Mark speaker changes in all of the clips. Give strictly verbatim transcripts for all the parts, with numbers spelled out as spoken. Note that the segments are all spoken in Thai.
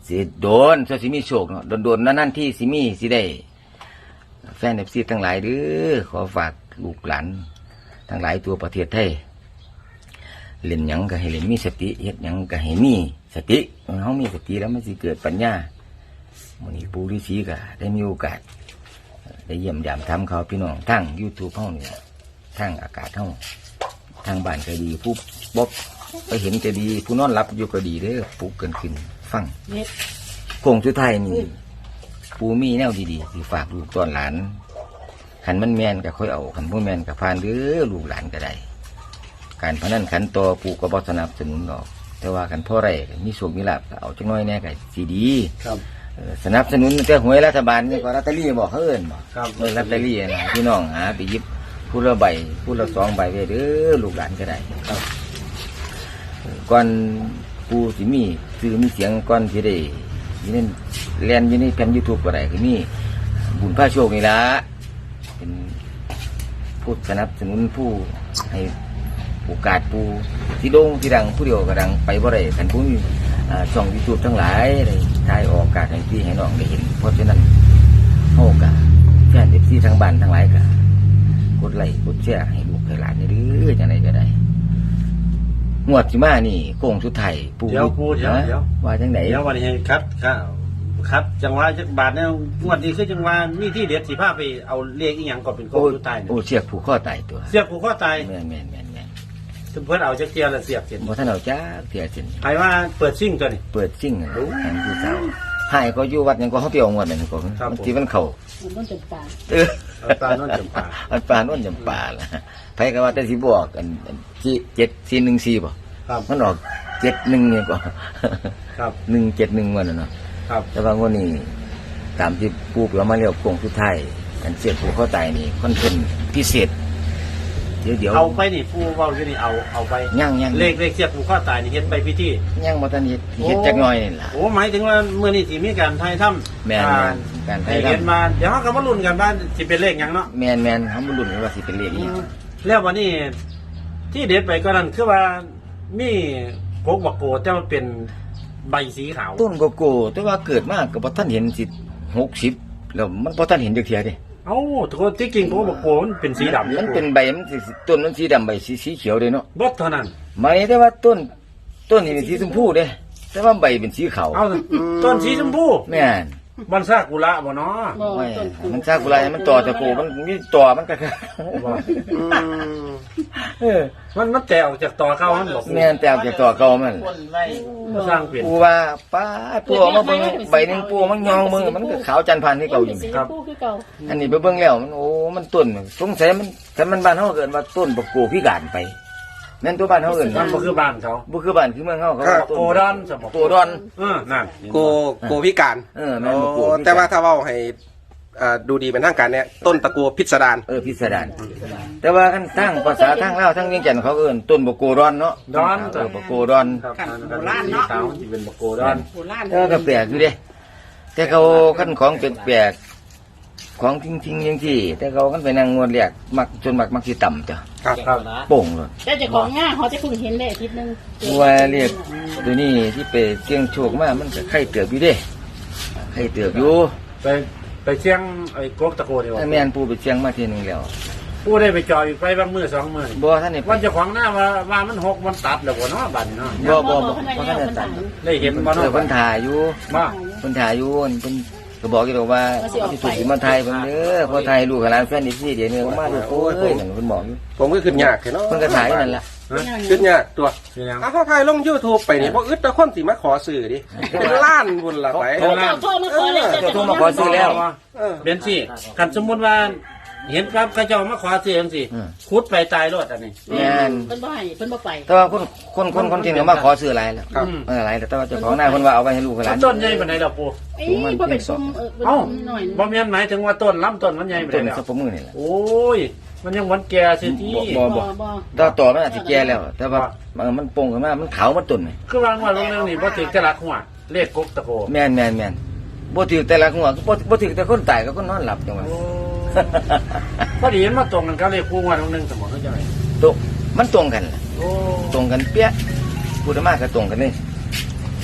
Speaker 1: สิโดนสิมีโชคเนาะโดนๆนั่นๆที่สิมีสิได้แฟน เอฟ ซี ทั้งหลายเด้อขอฝากลูกหลานทั้งหลายตัวประเทศไทยเล่นหยังก็ให้เล่นมีสติเฮ็ดหยังก็ให้มีสติเฮามีสติแล้วมันสิเกิดปัญญามื้อนี้ปู่ฤาษีก็ได้มีโอกาสได้เยี่ยมยามทำเขาพี่น้องทั้ง YouTube เฮานี่ทั้งอากาศเฮาทางบ้านก็ดีผู้บ่ไปเห็นก็ดีผู้นอนหลับอยู่ก็ดีเด้อปลุกเกินขึ้นฟังโค้งสุดท้ายนี่ปู่มีแนวดีๆสิฝากลูกต้อนหลานคันมันแม่นก็ค่อยเอาคันบ่แม่นก็ผ่านเด้อลูกหลานก็ได้การพนันขันต่อปู่ก็บ่สนับสนุนหรอกแต่ว่ากันพ่อไรมีโชคมีลาภเอาจังน้อยแน่ก็สิดี
Speaker 2: ครับ
Speaker 1: สนับสนุนแต่หวยรัฐบาลนี่ก็ลอตเตอรี่บอกเขาเอิ้นบ่
Speaker 2: ครับ
Speaker 1: เออลอตเตอรี่นะพี่น้องหาไปหยิบผู้ละใบผู้ละสองใบไว้เด้อลูกหลานก็ได้ครับก่อนปู่สิมีชื่อมีเสียงก่อนสิได้อยู่ในแล่นอยู่ในแผ่น YouTube ก็ได้คือมีบุญพระโชคนี่ล่ะเป็นผู้สนับสนุนผู้ให้โอกาสผู้ที่โด่งที่ดังผู้เดียวก็ดังไปบ่ได้คันผู้มีช่อง YouTube ทั้งหลายได้ถ่ายออกอากาศให้พี่ให้น้องได้เห็นเพราะฉะนั้นเฮาก็แฟน เอฟ ซี ทางบ้านทั้งหลายก็กดไลค์กดแชร์ให้ลูกให้หลานนี่เด้อจังได๋ก็ได้งวดสิมานี่โค้งสุดท้ายปู่
Speaker 2: เดี๋ยวปู่เดี๋ยวเดี๋ยว
Speaker 1: ว่าจังได๋
Speaker 2: เดี๋ยววันนี้ให้คัดครับครับจังหวะจักบาทเนี่ยงวดนี้คือจังหวะมีที่เด็ดสิพาไปเอาเลขอีหยังก่อนเป็นโค้งสุดท้าย
Speaker 1: โอ้เสียกผูกข้อตายตัว
Speaker 2: เสียบผูกข้อตาย
Speaker 1: แม่นแม่นแม่นแม่น
Speaker 2: เพิ่นเอาจักเกียร์ละเสียบเสร็จ
Speaker 1: บ่ทันเอาจ้าเสียสิน
Speaker 2: ใครว่าเปิดซิ่งตัวนี้
Speaker 1: เปิดซิ่งน่ะทางผู้สาวหายก็อยู่วัดหยังก็เฮาไปเอางวดนั่นก็
Speaker 2: ครับ
Speaker 1: มันสิมันเข้า
Speaker 3: มันต้องจับปลา
Speaker 1: เออ
Speaker 2: เอาตาโน่นจำปา
Speaker 1: อันปลาโน่นจำปาล่ะไผก็ว่าแต่สิบอกอันอันที่เจ็ดสี่หนึ่งสี่บ่
Speaker 2: ครับ
Speaker 1: มันออกเจ็ดหนึ่งเนี่ยก็
Speaker 2: ครับ
Speaker 1: หนึ่งเจ็ดหนึ่งวันน่ะเนาะ
Speaker 2: ครับ
Speaker 1: แต่ว่างวดนี้ตามที่ปู่เรามาเรียกโค้งสุดท้ายอันเสียกผูกข้อตายนี่ค่อนข้างพิเศษเดี๋ยวเดี๋ยว
Speaker 2: เอาไปนี่ผู้เว้าอยู่นี่เอาเอาไป
Speaker 1: ยังยัง
Speaker 2: เลขเลขเสียบผูกข้อตายนี่เฮ็ดไปพิธี
Speaker 1: ยังบ่ทันเฮ็ดเฮ็ดจักหน่อยนี่ล่ะ
Speaker 2: โอ้หมายถึงว่าเมื่อนี้สิมีการไทยทำ
Speaker 1: แม่น
Speaker 2: อ่า
Speaker 1: การไท
Speaker 2: ให้
Speaker 1: ยทำ
Speaker 2: เห็นมาเดี๋ยวเราก็มาลุ้นกันว่าสิเป็นเลขหยังเนาะ
Speaker 1: แมนแมนเขาบุรุษว่าสิเป็นเลขนี้
Speaker 2: แล้ววันนี้ที่เด็ดไปก็นั่นคือว่ามีโกกบักโกแต่มันเป็นใบสีขาว
Speaker 1: ต้นโกโก้แต่ว่าเกิดมากกับพอท่านเห็นสิหกสิบแล้วมันพอท่านเห็นเดียวเทียดิ
Speaker 2: เอ้าทุกคนที่จริงโกกบักโกมันเป็นสีดำ
Speaker 1: มันเป็นใบมันสิต้นมันสีดำใบสีสีเขียวเลยเนาะ
Speaker 2: บดเท่านั้น
Speaker 1: ไม่แต่ว่าต้นต้นนี่เป็นสีชมพูเด้แต่ว่าใบเป็นสีขาว
Speaker 2: เอาต้นสีชมพู
Speaker 1: แม่น
Speaker 2: บันซากุระบ่เนาะ
Speaker 3: บ่
Speaker 1: ไม่
Speaker 3: ต้น
Speaker 1: มันซากุระมันต่อตะโกมันมีต่อมันก็
Speaker 2: บ่
Speaker 1: เออ
Speaker 2: มันมันแตกออกจากตอเข้ามันบอก
Speaker 1: แม่นแต่เอาจากต่อเก่ามัน
Speaker 2: มันสร้างเปลี่ยน
Speaker 1: ปูว่าป้าปูเอามาเบิ่งใบหนึงปูมันยองมือมันก็ขาวจันทร์พันที่เก่าอยู่
Speaker 3: สีชมพูคือเก่า
Speaker 1: อันนี้ไปเบิ่งแล้วมันโอ้มันต้นสงสัยมันถ้ามันบ้านเฮาเกิดว่าต้นบกโกพิการไปนั่นตัวบ้านเฮาเอิ้น
Speaker 2: มันบ่คือบ้านเขา
Speaker 1: บ่คือบ้านคือเมืองเฮาเขา
Speaker 2: ครับ
Speaker 1: ว่าต้น
Speaker 2: โกดอนสมบัติ
Speaker 1: โกดอน
Speaker 2: เออนั่น
Speaker 4: โกโกพิการ
Speaker 1: เออแม่นบกโก
Speaker 4: โอ้
Speaker 1: พิกร
Speaker 4: แต่ว่าถ้าเว่าให้อ่าดูดีเป็นทางการเนี่ยต้นตะกัวพิสดาร
Speaker 1: เออพิสดารแต่ว่าคันทางภาษาทางลาวทางเวียงจันทน์เขาเอิ้นต้นบกโกดอนเนาะ
Speaker 2: ดอน
Speaker 1: เออบกโกดอน
Speaker 2: ครับโบราณเนาะมันสิเป็นบักโกดอน
Speaker 3: โบราณ
Speaker 1: แต่ว่าก็แปลกอยู่เด้แต่เขาคันของแปลกๆของทิ้งๆจังซี่แต่เขาคันไปนั่งงวดเรียกมักจนมักมักสิต่ำจ้ะ
Speaker 4: ครับ
Speaker 2: ครับ
Speaker 1: โป่งเลย
Speaker 3: แต่เจ้าของง่าเขาจะเพิ่งเห็นได้อาทิตย์นึง
Speaker 1: ว่าเรียกตัวนี้ที่ไปเสี่ยงโชคมามันก็ไข่เตือบอยู่เด้ไข่เตือบอยู่
Speaker 2: ไปไปเชียงไอ้กกตะโกนี่ว่า
Speaker 1: แม่นปูไปเชียงมาเทียหนึงแล้ว
Speaker 2: ผู้ได้ไปจอยไปบางมือสองมือ
Speaker 1: บ่ท่านนี่
Speaker 2: วันเจ้าของหน้าว่าว่ามันหกมันตัดแล้วบ่เนาะบัดนี้เนาะ
Speaker 1: บ่บ่
Speaker 3: บ่
Speaker 1: บ่
Speaker 3: บ่
Speaker 1: บ่
Speaker 3: ท่า
Speaker 1: ท่าน น
Speaker 3: ได้
Speaker 1: ได้ตัด
Speaker 2: ได้เห็นบ่
Speaker 1: เอ
Speaker 2: เนาะ
Speaker 1: อเพิ่นถ่ายอยู่
Speaker 2: มา
Speaker 1: เพิ่นถ่ายอยู่เพิ่นก็บอกอยู่ดอกว่าสิถูกสิมาถ่ายเพิ่นเด้อพอถ่ายลูกกับหลานแฟนอีกทีเดี๋ยวนี้มาลูกโอ้ยนั่นเพิ่นบอกอยู่
Speaker 4: ผมก็ขึ้นยากเนาะ
Speaker 1: เพิ่นก็ถ่ายอยู่นั่นล่ะ
Speaker 4: ขึ้นยากตัว
Speaker 2: เป็นยัง
Speaker 4: ถ้าเขาถ่ายลงยูทูบไปนี่พออึดแต่คนสิมาขอซื้อดิเป็นล้านบุญละไป
Speaker 3: เจ้าโทรมาขอเลย
Speaker 1: เจ้าโทรมาขอซื้อแล้ว
Speaker 4: เออ
Speaker 2: เป็นสิคันสมมุติว่า เห็นครับเขาเจ้ามาขอซื้อจังซี่
Speaker 1: อืม
Speaker 2: ขุดไปตายรถอันนี้
Speaker 1: แม่น
Speaker 3: เพิ่นบ่ให้เพิ่นบ่ไป
Speaker 1: แต่ว่าคนคนคนคนที่เขามาขอซื้อหลายแล้ว
Speaker 4: ครับ
Speaker 1: เออหลายแต่ว่าเจ้าของหน้าเพิ่นว่าเอาไว้ให้ลูกกับหลาน
Speaker 2: ต้นใหญ่ปานใดดอกปู
Speaker 3: เอ้ยบ่เป็นซุ่มเออเป็น
Speaker 2: เอ้า
Speaker 3: ซุ่มหน่อย
Speaker 2: บ่แม่นหมายถึงว่าต้นลำต้นมันใหญ่ปาน
Speaker 1: ต้
Speaker 2: ใด
Speaker 1: น
Speaker 2: แล้ว
Speaker 1: สับปะมือนี่แหละ
Speaker 2: โอ้ย มันยังหวันแก่สิที่
Speaker 1: บ่
Speaker 3: บ่บ่
Speaker 1: ต่อต่อมันอาจจะแก่แล้ว แต่ว่าเออมันโป่งขึ้นมามันขาวมันตุ่นนี่
Speaker 2: คือวางว่าลงเรื่องนี้บ่ถึงแต่ละหัวเลขกกตะโก
Speaker 1: แม่นแม่นแม่นบ่ถือแต่ละหัวบ่บ่ถือแต่คนตายกับคนนอนหลับจังหวะ
Speaker 2: โอ้พอดีมันมาตรงกันกับเลขคู่งวดลงหนึงสมมุติเข้าใจไหม
Speaker 1: ตรงมันตรงกันล่ะ
Speaker 2: โอ้
Speaker 1: ตรงกันเปี้ยพูดมากก็ตรงกันนี่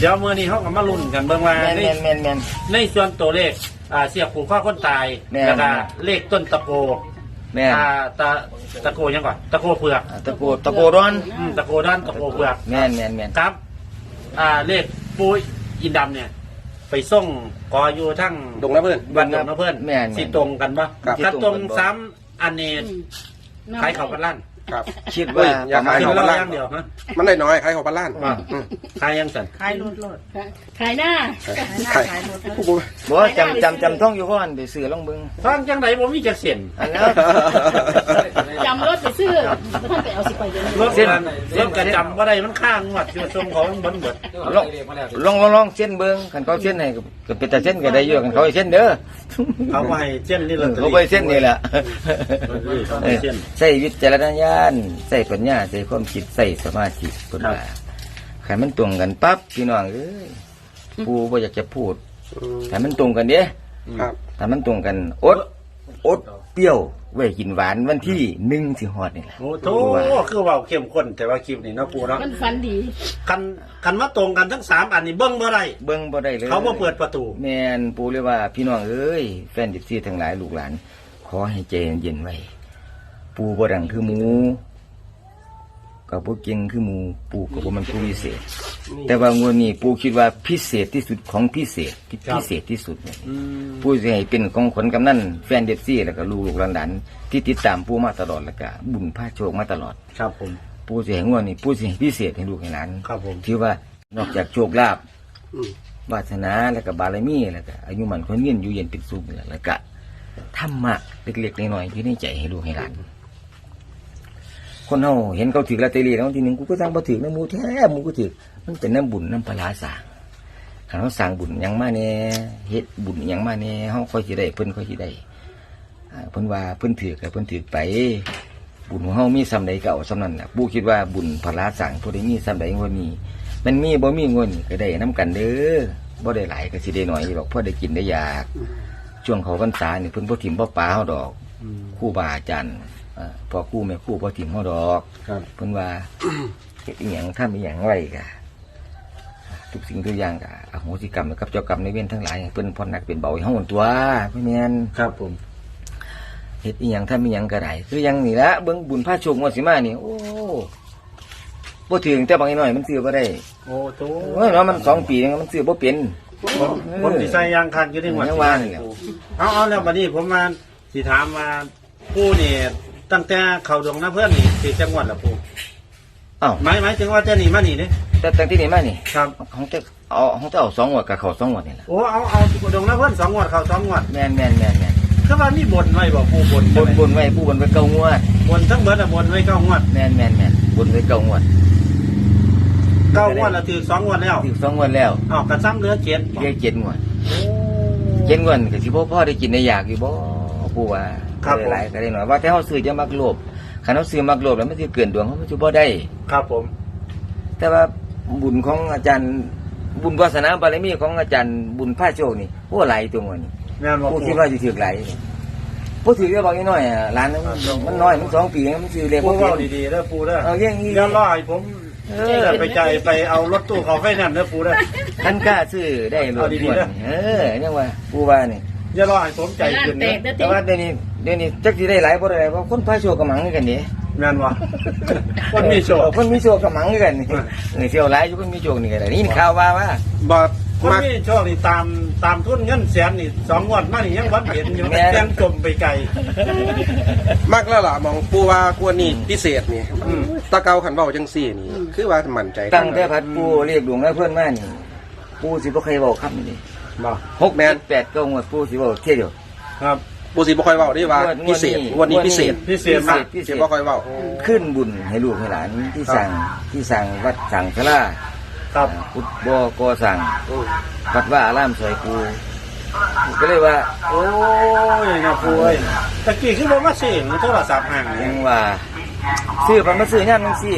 Speaker 2: เดี๋ยวมื้อนี้เฮาก็มาลุ้นกันเบิ่งว่า
Speaker 1: แม่น
Speaker 2: ใน
Speaker 1: แม่นแม่นแม่น
Speaker 2: ในส่วนตัวเลขอ่าเสียบผูกข้อคนตาย
Speaker 1: แม่น
Speaker 2: แล้วก็เลขต้นตะโก
Speaker 1: แม่น
Speaker 2: อ่าตะตะโกยังก่อนตะโกเผือก
Speaker 1: ตะโกตะโกร้อน
Speaker 2: อืมตะโกด้านตะโกเผือก
Speaker 1: แม่นแม่นแม่น
Speaker 2: ครับ อ่าเลขปูอินดำเนี่ย ไปส่งกออยู่ทั้ง
Speaker 4: ดงนะเพื่อน
Speaker 2: วันดงนะเพื่อน
Speaker 1: แม่น
Speaker 2: สิตรงกันปะ
Speaker 4: ครับ
Speaker 2: ถ้าตรง
Speaker 1: สิตรงกันบ่
Speaker 2: ซ้ำอันนี้ขายเขาพันล้าน
Speaker 4: ครับ
Speaker 1: คิดว่า
Speaker 4: เฮ้ยอย่า
Speaker 1: ประมาณ
Speaker 4: ขาย
Speaker 2: กิน
Speaker 4: เขา
Speaker 2: เห
Speaker 4: พัน
Speaker 2: ล้า
Speaker 4: ล้าน
Speaker 2: อย่างเดียวฮะ
Speaker 4: มันได้น้อยขายของพันล้าน
Speaker 2: อ่า
Speaker 4: อืม
Speaker 2: ขายยังสัน
Speaker 5: ขายรถรถ
Speaker 3: ขายหน้า
Speaker 4: ขายผู้บ่
Speaker 1: บ่จำจำจำท่องอยู่ก่อนไปซื้อลองเบิ่ง
Speaker 2: ฟังจังไหนผมมีจักเส้น
Speaker 1: อันนั้น
Speaker 3: จำรถไปซื้อท่านไปเอาสิไปเดี๋ยวนี้
Speaker 2: รถกันรถกันจำว่าได้มันข้างงวดอยู่ทรงของมันเบิดเบิด
Speaker 1: ลองลองลองลองเส้นเบิ่งคันเขาเส้นให้ก็ก็เป็นแต่เส้นก็ได้อยู่คันเขาให้เส้นเด้อ
Speaker 2: เขาก็ให้เส้นนี่
Speaker 1: เอ
Speaker 2: ลอ
Speaker 1: อ
Speaker 2: ตเตอ
Speaker 1: เขา
Speaker 2: รี่
Speaker 1: ไปเส้นนี่แหละ
Speaker 2: เขา
Speaker 1: เอ
Speaker 2: ให้
Speaker 1: อ
Speaker 2: เส้น
Speaker 1: ใส่วิจารณญาณใส่ปัญญาใส่ความคิดใส่สมาธิเพิ่นว่าคันมันตรงกันปั๊บพี่น้องเอ้ยผู้บ่อยากจะพูด
Speaker 4: อืม
Speaker 1: คันมันตรงกันเด้
Speaker 4: ครับ
Speaker 1: ถ้ามันตรงกันอดอดเปรี้ยวไว้กินหวานวันที่หนึ่งสิฮอดนี่แหละ
Speaker 2: โอ้โถคือเว่าเข้มข้นแต่ว่าคลิปนี่เนาะปูเนาะ
Speaker 3: มันฟันดี
Speaker 2: คันคันมาตรงกันทั้งสามอันนี้เบิ้งบ่ได้
Speaker 1: เบิ่งบ่ได้เลย
Speaker 2: เขาบ่เปิดประตู
Speaker 1: แม่นปู่เลยว่าพี่น้องเอ้ยแฟนดิบซี่ทั้งหลายลูกหลาน ขอให้ใจเย็นๆไว้ ปู่บ่ดังคือหมูก็บ่เก่งคือหมูปู่ก็บ่มันผู้พิเศษ แต่ว่างวดนี้ปู่คิดว่าพิเศษที่สุดของพิเศษที่พิเศษที่สุดเนี่ย
Speaker 2: อืม
Speaker 1: ปู่สิให้เป็นของขนกำนันแฟนดิบซี่แล้วก็ลูกๆหลานๆที่ติดตามปู่มาตลอดแล้วก็บุญพาโชคมาตลอด
Speaker 2: ครับผม
Speaker 1: ปู่สิให้งวดนี้ปู่สิให้พิเศษให้ลูกให้หลาน
Speaker 2: ครับผม
Speaker 1: ที่ว่านอกจากโชคลาภ
Speaker 4: อืม
Speaker 1: วาสนาแล้วก็บารมีแล้วก็อายุมันคนเงียนอยู่เย็นเป็นสุขนี่แหละแล้วก็ธรรมะเล็กๆน้อยๆที่ในใจให้ลูกให้หลาน คนเฮาเห็นเขาถือลอตเตอรี่แล้วทีหนึ่งกูก็สั่งบ่ถือน้ำมูแท้หมูก็ถือมันเป็นน้ำบุญน้ำปลาร้าสร้างถ้าเราสั่งบุญหยังมาแน่เฮ็ดบุญหยังมาแน่เฮาค่อยสิได้เพิ่นค่อยสิได้อ่าเพิ่นว่าเพิ่นถือก็เพิ่นถือไป บุญของเฮามีซ้ำใดก็เอาซ้ำนั้นน่ะปู่คิดว่าบุญปลาร้าสร้างผู้ใดมีซ้ำใดงวดนี้ มันมีบ่มีเงินก็ได้น้ำกันเด้อบ่ได้หลายก็สิได้น้อยหรอกพอได้กินได้อยากช่วงเขาพรรษานี่เพิ่นบ่ถิ่มบ่ปาเฮาดอก
Speaker 2: อืม
Speaker 1: ครูบาอาจารย์อ่าพ่อครูแม่ครูบ่ถิ่มเฮาดอก
Speaker 2: ครับ
Speaker 1: เพิ่นว่า เฮ็ดอีหยังทำอีหยังไว้ก็ทุกสิ่งทุกอย่างก็อโหสิกรรมกับเจ้ากรรมในายเวรทั้งหลายให้เพิ่นพ้นหนักเป็นเบาให้เฮาหั่นตัวพ่อแม่น
Speaker 2: ครับผม
Speaker 1: เฮ็ดอีหยังทำอีหยังก็ได้คือหยังนี่ละเบิ่งบุญพระโชคงวดสิมานี่โอ้บ่ถึงแต่บางน้อยมันซื้อบ่ได้
Speaker 2: โอ้โถ
Speaker 1: โอ้ยเนาะมันสองปีนึงมันซื้อบ่เป็น
Speaker 2: ผมผมสิใส่ยางคันอยู่ในหัว
Speaker 1: ยังว่านี่แหละ
Speaker 2: เอาเอาแล้วบัดนี้ผมมาสิถามว่าผู้นี่ตั้งแต่เข้าดงนะเพื่อนนี่สิจังหวัดละผู้
Speaker 1: อ้าว
Speaker 2: หมายหมายถึงว่าจะหนีมานี่เด้
Speaker 1: แต่ตั้งที่นี่มานี่
Speaker 2: ครับ
Speaker 1: ของเจ้าเอาของเจ้าเอาสองงวดกับเขาสองงวดนี่ล่ะ
Speaker 2: โอ้เอาเอาดงนะเพื่อนสองงวดเข้าสองงวด
Speaker 1: แม่นแม่นแม่นแม่น
Speaker 2: คือว่ามีบนไว้บ่ผู้บน
Speaker 1: บนบนไว้ผู้บนไว้เก้างวด
Speaker 2: บนทั้งเบิดอะบนไว้เก้างวด
Speaker 1: แม่นแม่นแม่นบนไว้เก้างวด
Speaker 2: เก้างวดแล้วถือสองงวดแล้ว
Speaker 1: ถึงสองงวดแล้ว
Speaker 2: อ้าวกระซ้ำเหลือเจ็ด
Speaker 1: เรียกเจ็ดงวดเจ็ดงวดก็สิบ่พอได้กินได้อยากอยู่บ่ผู้ว่าก็ได้หลายก็ได้น้อยว่าแต่เฮาซื้อจะมักโลภคันเฮาซื้อมักโลภแล้วมันสิเกินดวงเฮามันสิบ่ได้
Speaker 2: ครับผม
Speaker 1: แต่ว่าบุญของอาจารย์บุญวาสนาบารมีของอาจารย์บุญพระโชคนี่โอ้หลายตัวนี่
Speaker 2: แม่นบ่
Speaker 1: ผู้
Speaker 2: ผู้
Speaker 1: คิดว่าสิถือหลายผู้ถือก็บอกอีน้อยอ่ะหลานมันมันน้อยมันสองปีมันซื้อเลข
Speaker 2: ผู้
Speaker 1: บ่
Speaker 2: เว้า
Speaker 1: เป็น
Speaker 2: ดีๆเด้อผู้เด้อ
Speaker 1: เอาอย่างนี้
Speaker 2: เดี๋ยวรอให้ผม
Speaker 1: เอ
Speaker 2: เอ
Speaker 1: อ
Speaker 2: อไปใจายไปเอารถตู้เขาไฟแนนซ์เด้อผู้เด้อ
Speaker 1: ท่านกล้าซื้อได้ร
Speaker 2: เอา
Speaker 1: ถ
Speaker 2: ดีๆ
Speaker 1: ด่วน
Speaker 2: นะ
Speaker 1: เออเนี่ยว่าผู้ว่านี่
Speaker 2: อย่ารอให้ผมใจขึ้น
Speaker 3: แต
Speaker 2: เด้อก
Speaker 3: เด้อ
Speaker 1: แต่
Speaker 3: ติ
Speaker 1: ว่าเดี๋ยวนี้เดี๋ยวนี้จักสิได้หลายบ่ได้หลายเพราะคนพระโชคกำมังคือกันนี่
Speaker 2: แม่นบ่คนมีโชค
Speaker 1: คนมีโชคกำมังคือกันนี่เออเที่ยวหลายอยู่คนมีโชคนี่ก็ได้นี่ข่าวว่าว่า
Speaker 4: บ่
Speaker 2: คน
Speaker 4: มัก
Speaker 2: มีโชคนี่ตามตามทุนเงินแสนนี่สองงวดมานี่ยังบ่เห็นอยู่
Speaker 1: แม่น
Speaker 2: ยังจมไปไกล
Speaker 4: มักแล้วล่ะมองปูว่ากวนนี่พิเศษนี่
Speaker 2: อืม
Speaker 4: ตะเกาขันเว้าจังซี่นี่ คือว่ามั่นใจ
Speaker 1: ตั้งแต่พัดปูเรียกหลวงแล้วเพื่อนมานี่ปูสิบ่เคยบอกคำนี้
Speaker 2: บ่
Speaker 1: หกแปดแปดเก้างวดปูสิบอกเที่ยวเดียว
Speaker 2: ครับ
Speaker 4: ปูสิบ่ค่อยเว้าได้ว่าง
Speaker 1: วด
Speaker 4: พิเศษงวดนี้พิเศษ
Speaker 2: พิเศษมาก
Speaker 1: พิเศ
Speaker 4: สิ
Speaker 1: ษ
Speaker 4: บ่ค่อยเว้า
Speaker 1: ขึ้นบุญให้ลูกให้หลานที่สั่งที่สั่งวัดสั่งสลา
Speaker 2: ครับ
Speaker 1: พุทธบอก็สั่ง
Speaker 4: อืม
Speaker 1: วัดว่าอารามสวยปูก็เลยว่า
Speaker 2: โอ้ยนะผู้เอ้ยตะกี้คือบ่มาเสียงโทรศัพท์ห่าง
Speaker 1: ยั
Speaker 2: นี่
Speaker 1: งว่าซื้อพันมาซื้อย่ามนังซี่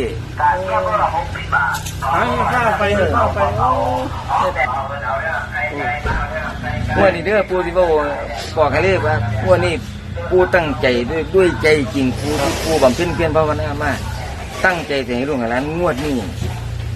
Speaker 2: หาข้าวไปข้าวไปโอ้
Speaker 1: งวดนี้เด้อปูสิบอกบอกให้เลยว่างวดนี้ปูตั้งใจด้วยด้วยใจจริงปูปูบำเพ็ญเพียรภาวนามาตั้งใจจะให้ลูกให้หลานงวดนี้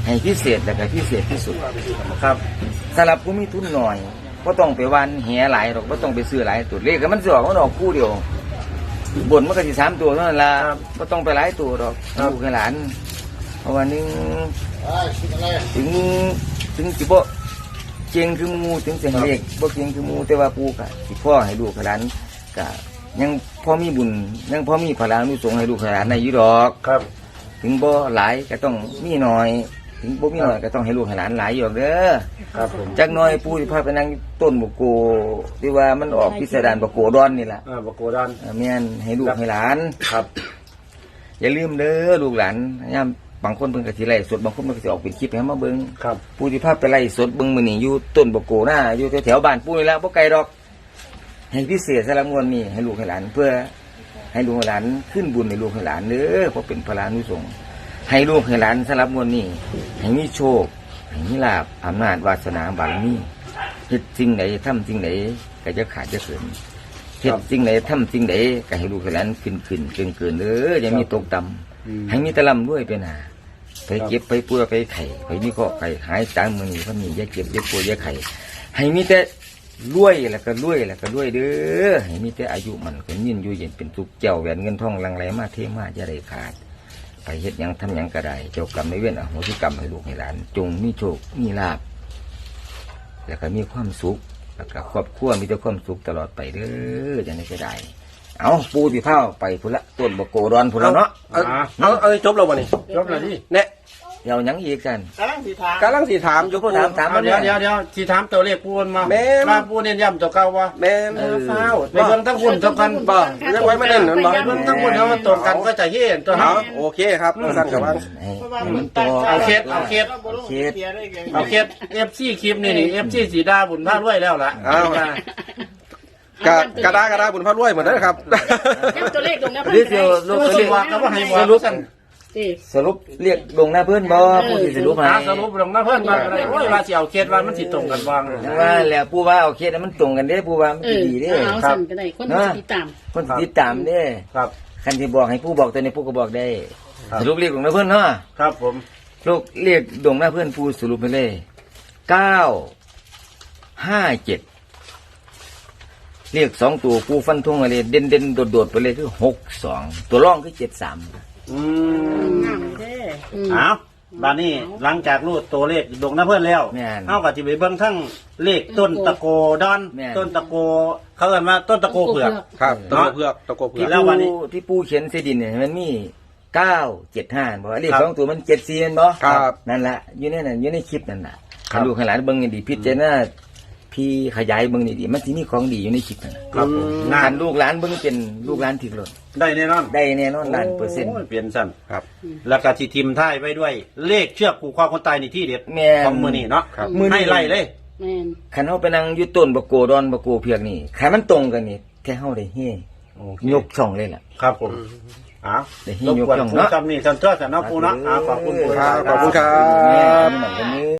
Speaker 1: ให้พิเศษแต่ก็พิเศษที่สุด
Speaker 2: ครับ
Speaker 1: สำหรับผู้มีทุนหน่อยก็ต้องไปวันแห่หลายหรอกก็ต้องไปซื้อหลายตัวเลขก็มันสิออกมันออกคู่เดียวบนมันก็สิสามตัวเท่านั้นละก็ต้องไปหลายตัวหรอกลูกให้หลานเพราะว่านึงถึงถึงจิบ่เจียงคือหมูถึงเสียงเลขบ่เจียงคือหมูแต่ว่าปูกะสิพ่อให้ลูกให้หลานกะยังพอมีบุญยังพอมีพลังนุสงฆ์ให้ลูกให้หลานในอยู่ดอก
Speaker 2: ครับ
Speaker 1: ถึงบ่หลายก็ต้องมีหน่อย ถึงบ่มีหน่อยก็ต้องให้ลูกให้หลานหลายอยู่เด้อ
Speaker 2: ครับผม
Speaker 1: จักหน่อยปู่สิพาไปนั่งต้นบกโกที่ว่ามันออกพิสดารบกโกดอนนี่ล่ะ
Speaker 2: อ่าบกโกดอน
Speaker 1: เออแม่นให้ลูกให้หลาน
Speaker 2: ครับ
Speaker 1: อย่าลืมเด้อลูกหลานยามบางคนเพิ่นก็สิไล่สดบางคนเพิ่นก็สิออกเป็นคลิปให้มาเบิ่ง
Speaker 2: ครับ
Speaker 1: ปู่สิพาไปไล่สดเบิ่งมื้อนี้อยู่ต้นบกโกหน้าอยู่แถวๆบ้านปู่นี่ล่ะบ่ไกลดอก ให้พิเศษสำหรับงวดนี้ให้ลูกให้หลานเพื่อให้ลูกให้หลานขึ้นบุญให้ลูกให้หลานเด้อเพราะเป็นพระรานุสงฆ์ให้ลูกให้หลานสำหรับงวดนี้ให้มีโชคให้มีลาภอำนาจวาสนาบารมีเฮ็ดสิ่งไหนทำสิ่งไหนก็จะขาดจะเกินเฮ็ดสิ่งไหนทำสิ่งไหนก็ให้ลูกให้หลานขึ้นขึ้นเกินเกินเด้ออย่ามีตกต่ำให้มีแตะลำด้วยเป็นหาไปเก็บไปป่วยไปไข่ไปมีข้อไข่หายตามมือนี้เพราะนี่อย่าเก็บอย่าป่วยอย่าไข่ให้มีแต่รวยแล้วก็รวยแล้วก็รวยเด้อให้มีแต่อายุมันก็ยืนอยู่เย็นเป็นสุขเจ้าแหวนเงินทองหลังไหลมาเทมาจะได้ขาดไปเฮ็ดหยังทำหยังก็ได้เจ้ากรรมในายเวรอโหสิกรรมให้ลูกให้หลานจงมีโชคมีลาภแล้วก็มีความสุขแล้วก็ครอบครัวมีแต่ความสุขตลอดไปเด้อจะได้ก็ได้เอาปูที่เผาไปพุ่นละต้นบกโกดอนพุ่นละเนาะ
Speaker 4: เอาเอาเอาจบแล้ววันนี้
Speaker 2: จบแล้วที่
Speaker 4: เนี่ย
Speaker 1: เดี๋ยวหยังอีกกัน
Speaker 2: กำลังสีถาม
Speaker 4: กำลังสีถามอยู่
Speaker 1: ถามถาม
Speaker 2: เดี๋ยวเดี๋ยวเดี๋ยวสีถามตัวเลขปูนมา
Speaker 4: แม่น
Speaker 2: มาปูเน้นย้ำตัวเก่าวะ
Speaker 4: แม่น
Speaker 2: เออเฝ้าไปเบิ่งทั้งคุณทั้งกันบ่
Speaker 4: เรื่องไว้ไม่เล่นนั่นบ่
Speaker 2: ไปเบิ่งทั้งคุณทั้งมันตรงกันก็จะเห็นตัว
Speaker 4: เอา
Speaker 2: เฮา
Speaker 4: โอเคครับสั้นกับว่า
Speaker 1: ให้ให้มันต่อ
Speaker 2: เอาเคสเอาเคส
Speaker 1: เคส
Speaker 2: เอาเคสเอฟซีคลิปนี่นี่เอฟซีสีดาบุญพาด้วยแล้วล่ะ
Speaker 4: เอา กะกระดากระดาบุญพระรวยเหมือนนั้นครับ
Speaker 3: ย้ำตัวเลขตรงนี้
Speaker 1: เรียกเดียวลง
Speaker 2: รู้
Speaker 1: ตัว
Speaker 2: สึ
Speaker 1: เล
Speaker 2: ก
Speaker 1: ข
Speaker 2: ว่าก็ว่าให้ว่า
Speaker 1: สรุป
Speaker 2: กัน
Speaker 3: สิ
Speaker 1: สรุปเรียกลงหน้าเพื่อนบ่ผู้ที่สรุปให้
Speaker 2: หาสรุปลงมาเพิ่นมาอะไรโอ้ยว่าสิเอาเคสว่ามันสิตรงกันวาง
Speaker 1: ยังว่าแล้วผู้ว่าเอาเคสให้มันตรงกันเด้ผู้ว่ามัน
Speaker 3: เอ
Speaker 1: สิ
Speaker 3: อ
Speaker 1: ดีเด้
Speaker 3: เอาสั่นก็ได้คนที่ติดตาม
Speaker 1: คนสิติดตามเด้
Speaker 2: ครับ
Speaker 1: คันที่บอกให้ผู้บอกตัวนี้ผู้ก็บอกได้
Speaker 2: ครับ
Speaker 1: สรุปเรียกลงหน้าเพื่อนเนาะ
Speaker 2: ครับผม
Speaker 1: ลูกเรียกลงหน้าเพื่อนผู้สรุปไปเลยเก้าห้าเจ็ดเรียกสองตัวผู้ฟันธงอะไรเด่นเด่นโดดโดดๆไปเลยคือหกสองตัวร่องคือเจ็ดสาม
Speaker 2: อืม
Speaker 3: งามเด้อ
Speaker 2: เอาบ้านนี้หลังจากรูดตัวเลขดงน้าเพื่อนแล้ว
Speaker 1: แม่น
Speaker 2: เอากับที่ไปเบิ่งทั้งเลขต้นตะโกดอน
Speaker 1: แม่น
Speaker 2: ต้นตะโกเขาเอิ้นว่าต้นตะโกเผือก
Speaker 4: ครับตะโกเพือกตะโกเพือก
Speaker 2: แล้
Speaker 1: ที่
Speaker 2: ววันนี้
Speaker 1: ปูที่ปูเขียนเสดินเนี่ยมันมีเก้าเจ็ดห้าบอกว่าเลข
Speaker 2: ครับ
Speaker 1: สองตัวมันเจ็ดสี่เห็นบ่
Speaker 4: ครับ
Speaker 1: นั่นแหละอยู่ในนั้นอยู่ในคลิปนั่นแหละ
Speaker 2: ครั
Speaker 1: ให้
Speaker 2: บ
Speaker 1: ลูกให้หลานเบิ่งให้ดีพิจารณาพี่ขยายเบิ่งดีๆมันสิมีของดีอยู่ในคลิปนั่นน่ะ
Speaker 2: ครับผมงา
Speaker 1: คั
Speaker 2: น
Speaker 1: นลูกหลานเบิ่งเป็นลูกหลานถึกหล่น
Speaker 2: ได้แน่นอน
Speaker 1: ได้แน่นอนล้านเปอร์เซ็นต์
Speaker 2: โยเปลี่ยนสั้น
Speaker 4: ครับ
Speaker 2: แล้วก็ที่ทิมท้ายไว้ด้วย เลขเชือกผูกคอคนตายในที่เด็ด
Speaker 1: แม่น
Speaker 2: ของมือนี่เนาะ
Speaker 4: ครับ
Speaker 1: มื้อนี้
Speaker 2: ให้ไล่เลย
Speaker 3: แม่น
Speaker 1: คันเฮาไปนั่งอยู่ต้นบะโกดอนบะโกเพียกนี่คันมันตรงกันนี่แท้เฮาได้เฮยกช่องเลยล่ะ
Speaker 2: ครับผมอ้าว
Speaker 1: ได้ให้
Speaker 2: รบ
Speaker 1: ยก
Speaker 2: กวน
Speaker 1: ย่อง
Speaker 2: ผู้
Speaker 1: เนาะ
Speaker 2: จำนี่สันเจ้าสันเนาะปูเนาะอ้าวขอบคุณปู
Speaker 4: ครับขอบคุณครั
Speaker 1: แม่
Speaker 4: บ
Speaker 1: นแบบนี้